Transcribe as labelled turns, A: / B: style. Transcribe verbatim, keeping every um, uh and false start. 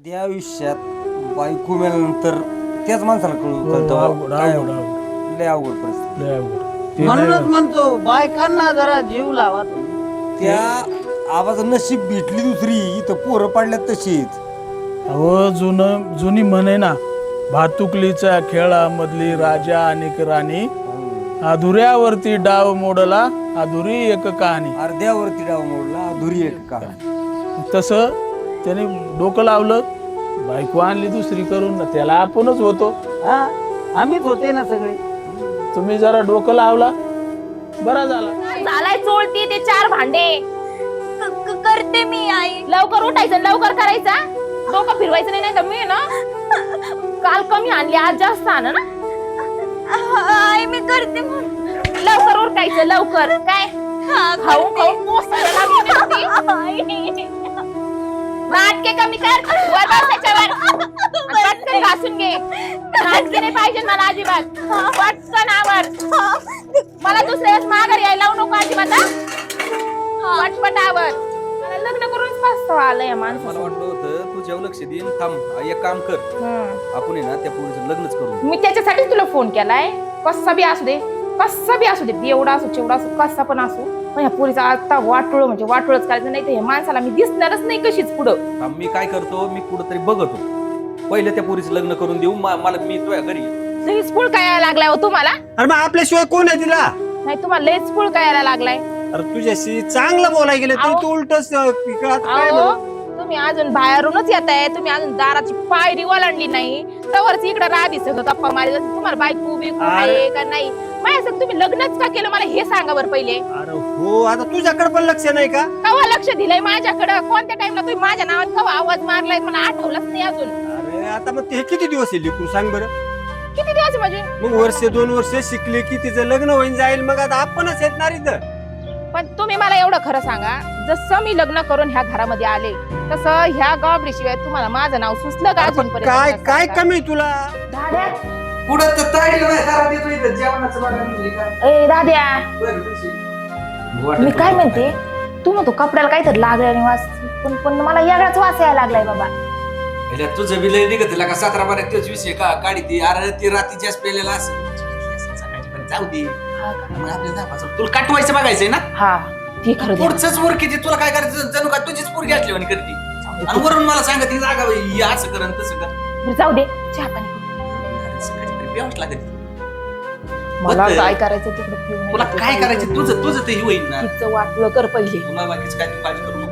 A: त्या आयुष्यात बायको मेल्यानंतर त्याच माणसाला कळू कळतं काय लय अवघड परिस्थिती.
B: म्हणूनच म्हणतो बायकांना जरा जीव लावा तुम्ही.
A: त्या आवाज नशीब भेटली दुसरी इथं पोरं पाडल्यात तशीच.
C: अहो जुन जुनी म्हणे ना, भातुकलीच्या खेळामधली राजा आणि राणी, अधुऱ्यावरती डाव मोडला अधुरी एक कहाणी.
A: अर्ध्यावरती डाव मोडला अधुरी एक का.
C: तसं त्याने डोकं लावलं, बायको आणली दुसरी करून ना, त्याला आपणच होतो.
B: हा आम्हीच होते ना सगळे.
C: तुम्ही जरा डोकं लावला बरा झाला.
D: झालाय चोळती ते चार भांडे क- क- करते मी आई. लवकर उठायचं लवकर करायचा, डोकं फिरवायचं नाही. नाही तर मी ना काल कमी आणली आज जास्त आण ना. आई मी करते. लवकर उठायचं लवकर. काय खाऊ खाऊ मोसायला लागली नुसती. नाटके कमी कर, वर बस त्याच्यावर. आणि पटकन घासून घे. नाटके नाही पाहिजे मला अजिबात. पटकन आवर. मला दुसऱ्या वेळेस माघारी यायला लावू नको अजिबात. हा? पटपट आवर. मला लग्न करूनच पस्तावा आलं या
E: मला
D: माणसाला.
E: वाटलं होतं तू जेव्हा लक्ष देईन थांब एक काम कर,
D: हम्म.
E: आपण आहे ना त्या पोरीचं लग्नच करू.
D: मी त्याच्यासाठीच तुला फोन केलाय. कसा बी असू दे, कसा बी असू दे, एवढा असू चिवडा असू कसा पण असू, पण ह्या पोरीचा आता वाटोळ म्हणजे वाटोळच करायचं. नाही तर ह्या माणसाला मी दिसणारच नाही कशीच पुढं.
E: थांब मी काय करतो, मी कुठंतरी बघतो पहिले त्या पोरीचं लग्न करून देऊ. मा- मला मी तुझ्या घरी
D: लईच पुळ काय यायला लागलाय हो तुम्हाला.
F: अरे मग आपल्याशिवाय कोण आहे तिला?
D: नाही तुम्हाला लईच पुळ काय यायला लागलाय.
F: अरे तुझ्याशी चांगलं बोलाय गेलं तरी
D: अहो.
F: तू उलटच काय
D: अहो,
F: बोलू?
D: तुम्ही अजून बाहेरूनच येताय. तुम्ही अजून दाराची पायरी ओलांडली नाही, तवरच इकडे राधी सगळं गप्पा मारी. तुम्हाला बायको बिकू आहे का नाही, माझ्या संग तुम्ही लग्नच का केलं मला हे सांगा बरं पहिले.
F: अरे हो, आता तुझ्याकडे पण लक्ष नाही का?
D: कवा लक्ष दिलंय माझ्याकडे? कोणत्या टाइमला तुम्ही माझ्या नावात कवा आवाज मारलाय मला आठवलंच नाही अजून.
F: अरे आता मग ते किती दिवस येईल तू सांग बरं.
D: किती दिवस म्हणजे?
F: मग वर्ष दोन वर्ष शिकले की तिचं लग्न होईन जाईल, मग आता आपणच येणार इथं.
D: पण तुम्ही मला एवढं खरं सांगा, जसं मी लग्न करून ह्या घरामध्ये आले तसं ह्या गावडी शिवाय तुम्हाला माझं नाव सुचलं का अजूनपर्यंत?
F: काय
D: मला
F: काय
D: सांगा.
F: कमी तुला?
D: दाद्या,
E: पुढं तर ताईला नाही तारा देतो इथं जेवणाचं बघा म्हणजे काय.
D: ए दाद्या,
E: वाटत
D: मी काय
E: होतं
D: म्हणते, तू म्हणतो कपड्याला काहीतरी लागल्याने वास, पण पण मला यागळाच वास यायला लागलाय बाबा.
E: काय. तुझं बी लय निघत का सतरा बारा तोच विषय का काढी ती. अरे ती रात्री जास्त पेलेला असेल जाऊ दे. मग आपल्या दहा पाच तुला काटवायचं बघायचंय ना.
D: हा ते खरं द्या.
E: पुढचंच वर किती तुला काय करायचं, जणू का तुझीच पोरगी असली म्हणे करती. आणि वरून मला सांगत ती जागा बाई, ही असं कर आणि तसं कर.
D: बरं, जाऊ दे, चहा पाणी.
E: कधीतरी प्यावंच लागत.
D: मला
E: बघ,
D: काय करायचं तिकडे पिऊ नाही
E: तुला
D: देते.
E: काय करायचं तुझं तुझं ते होईल ना.
D: तिचं वाटलं कर पहिले.
E: तुला बाकीच काय तू काळजी करू नको.